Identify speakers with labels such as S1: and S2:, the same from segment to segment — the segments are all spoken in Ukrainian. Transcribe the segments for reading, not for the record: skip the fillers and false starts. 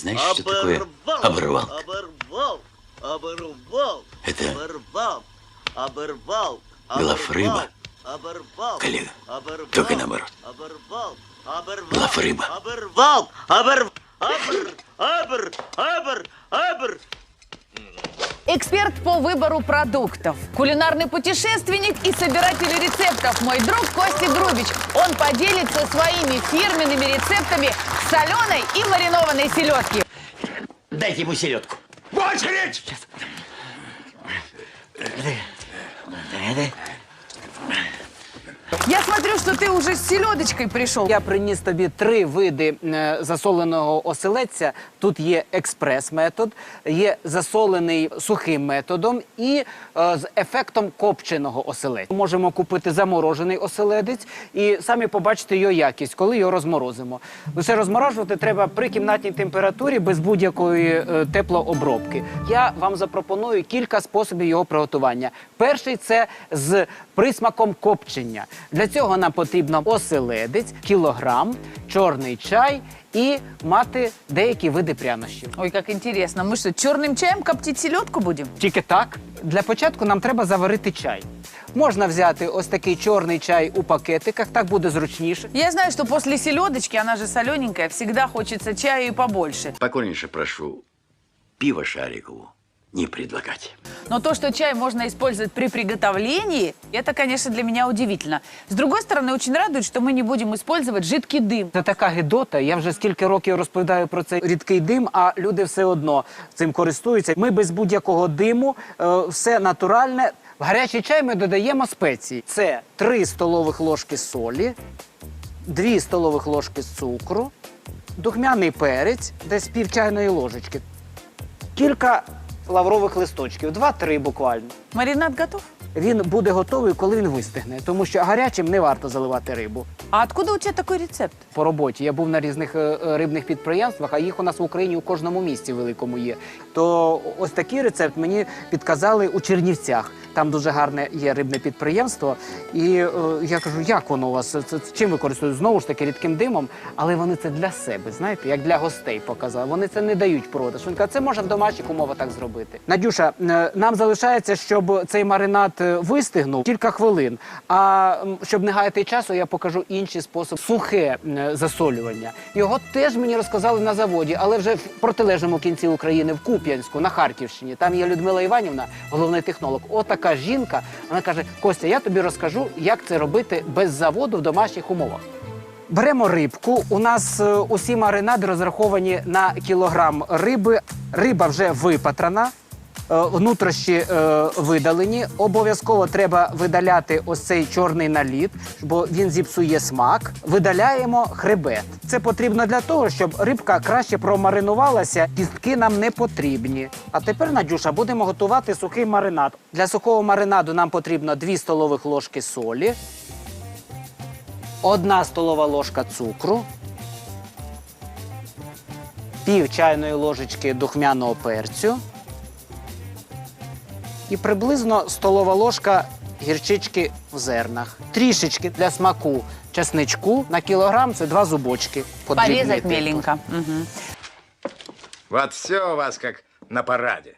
S1: знаешь, что такое оборвал? Это глафрыба, коллега, только наоборот. Глафрыба.
S2: Эксперт по выбору продуктов, кулинарный путешественник и собиратель рецептов, мой друг Костя Грубич. Он поделится своими фирменными рецептами соленой и маринованной селедки.
S1: Дайте ему селедку.
S3: В очередь!
S1: Сейчас.
S2: Я смотрю, что ты уже с селедочкой пришел.
S4: Я приніс тобі 3 види засоленого оселедця. Тут є експрес-метод, є засолений сухим методом і з ефектом копченого оселедця. Можемо купити заморожений оселедець і самі побачити його якість, коли його розморозимо. Лише розморожувати треба при кімнатній температурі без будь-якої теплообробки. Я вам запропоную кілька способів його приготування. Перший – це з присмаком копчення. Для цього нам потрібно оселедець, кілограм, чорний чай і мати деякі види прянощів.
S2: Ой, как интересно. Мы что, черным чаем коптить селедку будем?
S4: Тільки так. Для початку нам треба заварити чай. Можна взяти ось такий чорний чай у пакетиках, так буде зручніше.
S2: Я знаю, что после селедочки, она же солененькая, всегда хочется чаю и побольше.
S1: Покорнейше прошу, пиво Шарикову не предлагать.
S2: Но то, что чай можно использовать при приготовлении, это, конечно, для меня удивительно. С другой стороны, очень радует, что мы не будем использовать жидкий дым.
S4: Це така гидота. Я вже скільки років розповідаю про цей рідкий дим, а люди все одно цим користуються. Ми без будь-якого диму, все натуральне. В гарячий чай ми додаємо спеції. Це 3 столових ложки солі, 2 столових ложки цукру, духмяний перець, десь пів чайної ложечки, кілька лаврових листочків, 2-3 буквально.
S2: Маринад готов?
S4: Він буде готовий, коли він вистигне, тому що гарячим не варто заливати рибу.
S2: А откуда у тебя такой рецепт?
S4: По роботі. Я був на різних рибних підприємствах, а їх у нас в Україні у кожному місті великому є. То ось такий рецепт мені підказали у Чернівцях. Там дуже гарне є рибне підприємство. І я кажу, як воно у вас, чим ви користуєтесь? Знову ж таки, рідким димом. Але вони це для себе, знаєте, як для гостей показали. Вони це не дають продаж. Він каже, це можна в домашніх умовах так зробити. Надюша, нам залишається, щоб цей маринад вистигнув кілька хвилин. А щоб не гаяти часу, я покажу інший спосіб. Сухе засолювання. Його теж мені розказали на заводі, але вже в протилежному кінці України, в Куп'янську, на Харківщині. Там є Людмила Іванівна, головний технолог. Отака жінка, вона каже, Костя, я тобі розкажу, як це робити без заводу в домашніх умовах. Беремо рибку. У нас усі маринади розраховані на кілограм риби. Риба вже випатрана. Внутрішні видалені. Обов'язково треба видаляти ось цей чорний наліт, бо він зіпсує смак. Видаляємо хребет. Це потрібно для того, щоб рибка краще промаринувалася, кістки нам не потрібні. А тепер, Надюша, будемо готувати сухий маринад. Для сухого маринаду нам потрібно 2 столових ложки солі, 1 столова ложка цукру, пів чайної ложечки духмяного перцю, і приблизно столова ложка гірчички в зернах. Трішечки для смаку чесничку. На кілограм це 2 зубочки.
S2: Порезать меленько. Угу.
S3: Вот все у вас как на параде.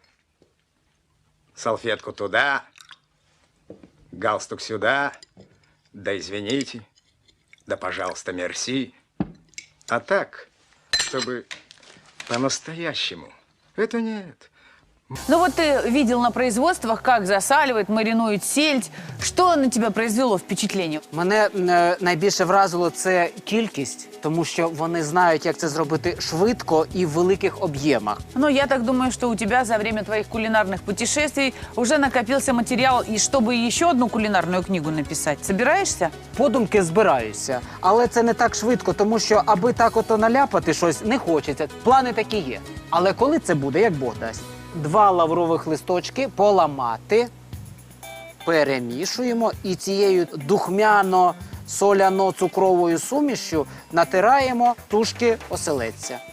S3: Салфетку туда, галстук сюда, да извините, да пожалуйста, мерси. А так, чтобы по-настоящему, это нет.
S2: Ну вот ты видел на производствах, как засаливают, маринуют сельдь. Что на тебя произвело впечатление?
S4: Мене найбільше вразило це кількість, тому що вони знають, як це зробити швидко і в великих об'ємах.
S2: Ну, я так думаю, что у тебя за время твоих кулинарных путешествий уже накопился материал, и чтобы еще одну кулинарную книгу написать. Собираешься?
S4: Подумки збираюся, але це не так швидко, тому що аби так ото наляпати щось не хочеться. Плани такі є. Але коли це буде, як Бог дасть? 2 лаврових листочки поламати, перемішуємо і цією духмяно-соляно-цукровою сумішю натираємо тушки оселедця.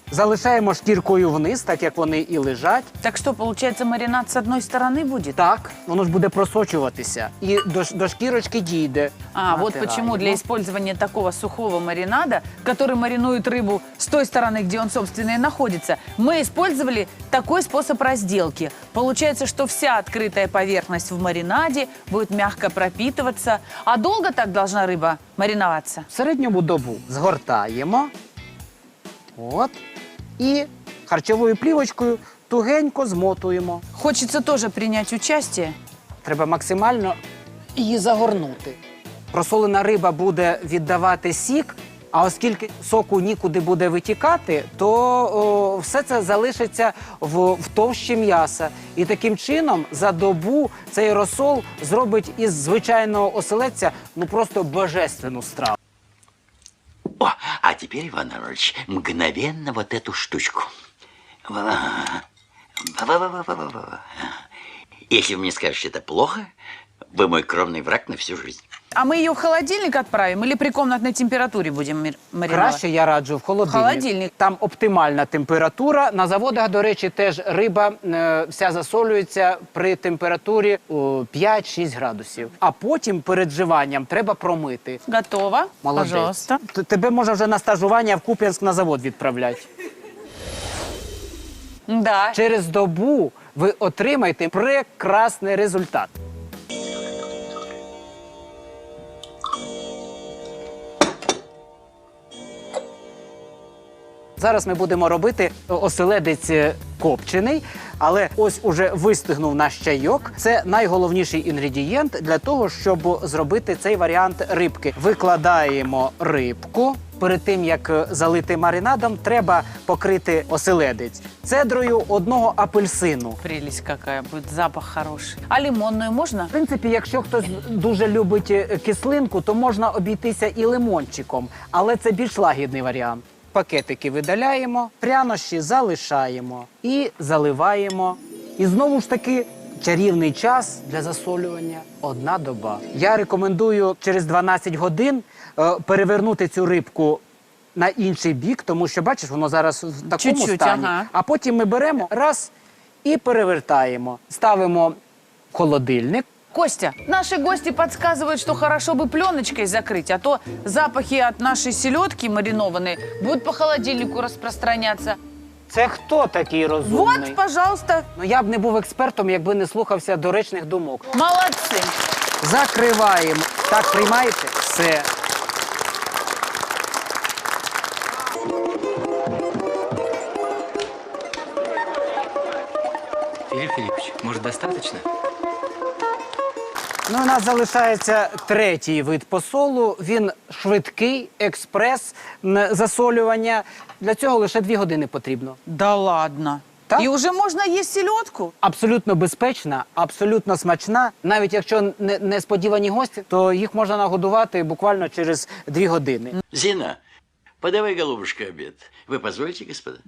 S4: залишаємо шкіркою вниз, так як вони і лежать.
S2: Так что, получается, маринад с одной стороны будет?
S4: Так, воно ж буде просочуватися і до шкірочки дійде.
S2: А, вот почему для использования такого сухого маринада, который маринует рыбу с той стороны, где он, собственно, и находится, мы использовали такой способ разделки. Получается, что вся открытая поверхность в маринаде будет мягко пропитываться. А долго так должна рыба мариноваться?
S4: В середньому добу згортаємо. От. І харчовою плівочкою тугенько змотуємо.
S2: Хочется тоже принять участие.
S4: Треба максимально її загорнути. Просолена риба буде віддавати сік, а оскільки соку нікуди буде витікати, то все це залишиться в товщі м'яса. І таким чином за добу цей розсол зробить із звичайного оселедця ну просто божественну страву.
S1: О, а теперь, Иван Иванович, мгновенно вот эту штучку. Ва-ва. Ва-ва-ва-ва-ва-ва. Если вы мне скажете, это плохо, вы мой кровный враг на всю жизнь.
S2: А мы ее в холодильник отправим или при комнатной температуре будем мариновать?
S4: Краще я раджу в холодильник.
S2: Холодильник.
S4: Там оптимальна температура. На заводах, до речі, теж риба вся засолюється при температурі 5-6 градусів. А потім перед вживанням треба промити.
S2: Готово.
S4: Молодець.
S2: Пожалуйста.
S4: Тебе можна вже на стажування в Куп'янськ на завод відправляти.
S2: Да.
S4: Через добу ви отримаєте прекрасний результат. Зараз ми будемо робити оселедець копчений, але ось уже вистигнув наш чайок. Це найголовніший інгредієнт для того, щоб зробити цей варіант рибки. Викладаємо рибку. Перед тим, як залити маринадом, треба покрити оселедець цедрою одного апельсину.
S2: Прелесть какая будет, запах хороший. А лимонную можно?
S4: В принципі, якщо хтось дуже любить кислинку, то можна обійтися і лимончиком, але це більш лагідний варіант. Пакетики видаляємо, прянощі залишаємо і заливаємо. І знову ж таки чарівний час для засолювання – 1 доба. Я рекомендую через 12 годин перевернути цю рибку на інший бік, тому що, бачиш, воно зараз в такому
S2: Чуть-чуть,
S4: стані.
S2: ага.
S4: А потім ми беремо раз і перевертаємо. Ставимо в холодильник.
S2: Костя, наши гости подсказывают, что хорошо бы пленочкой закрыть, а то запахи от нашей селедки маринованной будут по холодильнику распространяться.
S4: Це хто такий розумний?
S2: Вот, пожалуйста.
S4: Ну, я б не був експертом, якби не слухався доречних думок.
S2: Молодцы.
S4: Закриваємо. Так, приймаєте? Все.
S5: Филипп Филиппович, может, достаточно?
S4: Ну, у нас залишається третій вид посолу. Він швидкий, експрес засолювання. Для цього лише 2 години потрібно.
S2: Да ладно.
S4: Так?
S2: И уже можно есть селедку?
S4: Абсолютно безпечна, абсолютно смачна. Навіть якщо несподівані гості, то їх можна нагодувати буквально через 2 години.
S1: Зина, подавай, голубушка, обед. Вы позволите, господа?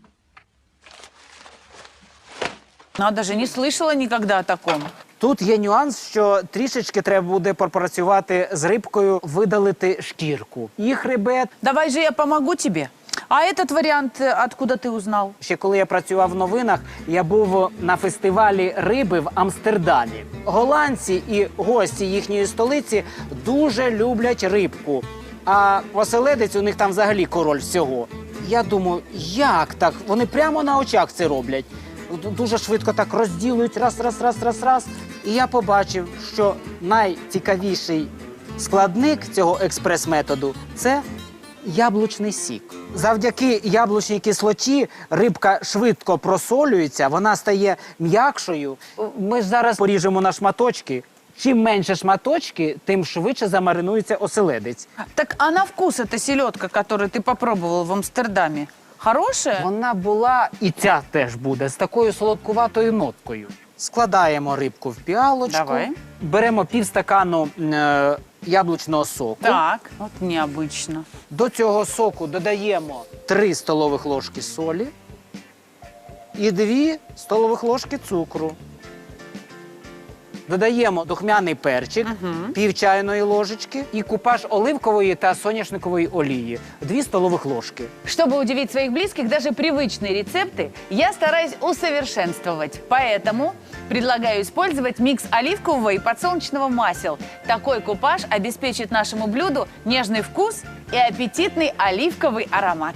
S2: Надо же, не слышала никогда о таком.
S4: Тут є нюанс, що трішечки треба буде попрацювати з рибкою, видалити шкірку. І хребет.
S2: Давай же я помогу тебе. А этот вариант откуда ты узнал?
S4: Ще коли я працював в новинах, я був на фестивалі риби в Амстердамі. Голландці і гості їхньої столиці дуже люблять рибку. А оселедець у них там взагалі король всього. Я думаю, як так? Вони прямо на очах це роблять. Дуже швидко так розділують, раз. І я побачив, що найцікавіший складник цього експрес-методу – це яблучний сік. Завдяки яблучній кислоті рибка швидко просолюється, вона стає м'якшою. Ми ж зараз поріжемо на шматочки. Чим менше шматочки, тим швидше замаринується оселедець.
S2: Так а на вкус эта селедка, которую ты попробовал в Амстердаме, хорошая?
S4: Вона була, і ця теж буде, з такою солодкуватою ноткою. Складаємо рибку в піалочку,
S2: Давай.
S4: беремо півстакану яблучного соку.
S2: Так, вот необычно.
S4: До цього соку додаємо 3 столових ложки солі і 2 столових ложки цукру. Додаємо духмяний перчик, пів чайної ложечки і купаж оливкової та соняшникової олії, 2 столових ложки.
S2: Чтобы удивить своих близких, даже привычные рецепты я стараюсь усовершенствовать. Поэтому предлагаю использовать микс оливкового и подсолнечного масел. Такой купаж обеспечит нашему блюду нежный вкус и аппетитный оливковый аромат.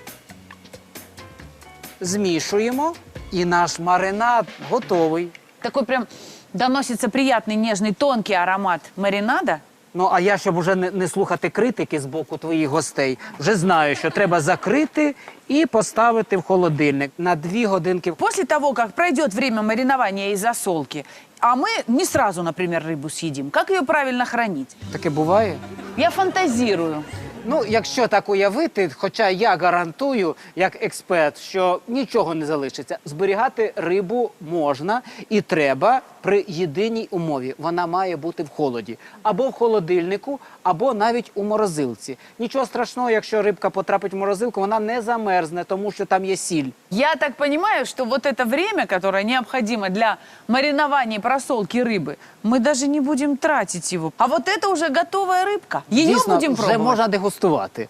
S4: Змішуємо і наш маринад готовий.
S2: Такой прям доносится приятный, нежный, тонкий аромат маринада.
S4: Ну, а я, щоб уже не слухати критики з боку твоїх гостей, вже знаю, що треба закрити і поставити в холодильник на 2 годинки.
S2: После того, как пройдет время маринования и засолки, а мы не сразу, например, рыбу съедим, как ее правильно хранить?
S4: Таке буває?
S2: Я фантазирую.
S4: Ну, якщо так уявити, хоча я гарантую, як експерт, що нічого не залишиться, зберігати рибу можна і треба при єдиній умові. Вона має бути в холоді. Або в холодильнику, або навіть у морозилці. Нічого страшного, якщо рибка потрапить в морозилку, вона не замерзне, тому що там є сіль.
S2: Я так понимаю, что вот это время, которое необходимо для маринования и просолки рыбы, мы даже не будем тратить его. А вот это уже готовая рыбка. Ее
S4: Дійсно,
S2: будем
S4: вже
S2: пробовать.
S4: можна дегустувати.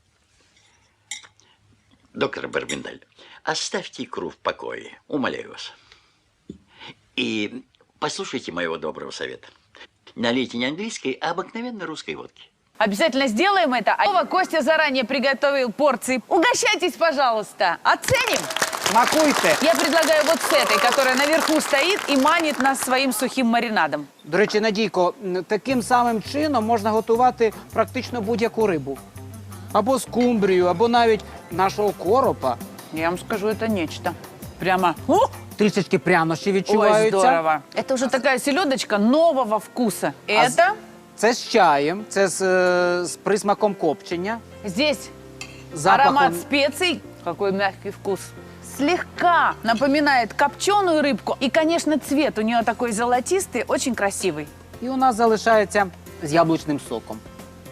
S1: Доктор Барбендаль, оставьте икру в покое, умоляю вас. И послушайте моего доброго совета. Налейте не английской, а обыкновенной русской водки.
S2: Обязательно сделаем это. А Вова, Костя заранее приготовил порции. Угощайтесь, пожалуйста. Оценим.
S4: Смакуйте!
S2: Я предлагаю вот с этой, которая наверху стоит и манит нас своим сухим маринадом.
S4: До речі, Надійко, таким самим чином можна готувати практично будь-яку рибу. Або скумбрію, або навіть нашого коропа.
S2: Я вам скажу, это нечто. Прямо...
S4: Трішечки прянощі
S2: Ой,
S4: відчуваються.
S2: здорово. Это уже такая селедочка нового вкуса. Это
S4: Це з чаєм, це з присмаком копчення.
S2: здесь
S4: Запахом.
S2: аромат специй. Какой мягкий вкус. Слегка напоминает копченую рыбку. И, конечно, цвет у нее такой золотистый, очень красивый.
S4: І у нас залишається з яблучним соком.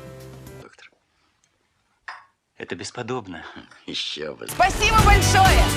S1: Доктор,
S5: Это бесподобно.
S1: еще бы.
S2: Спасибо большое!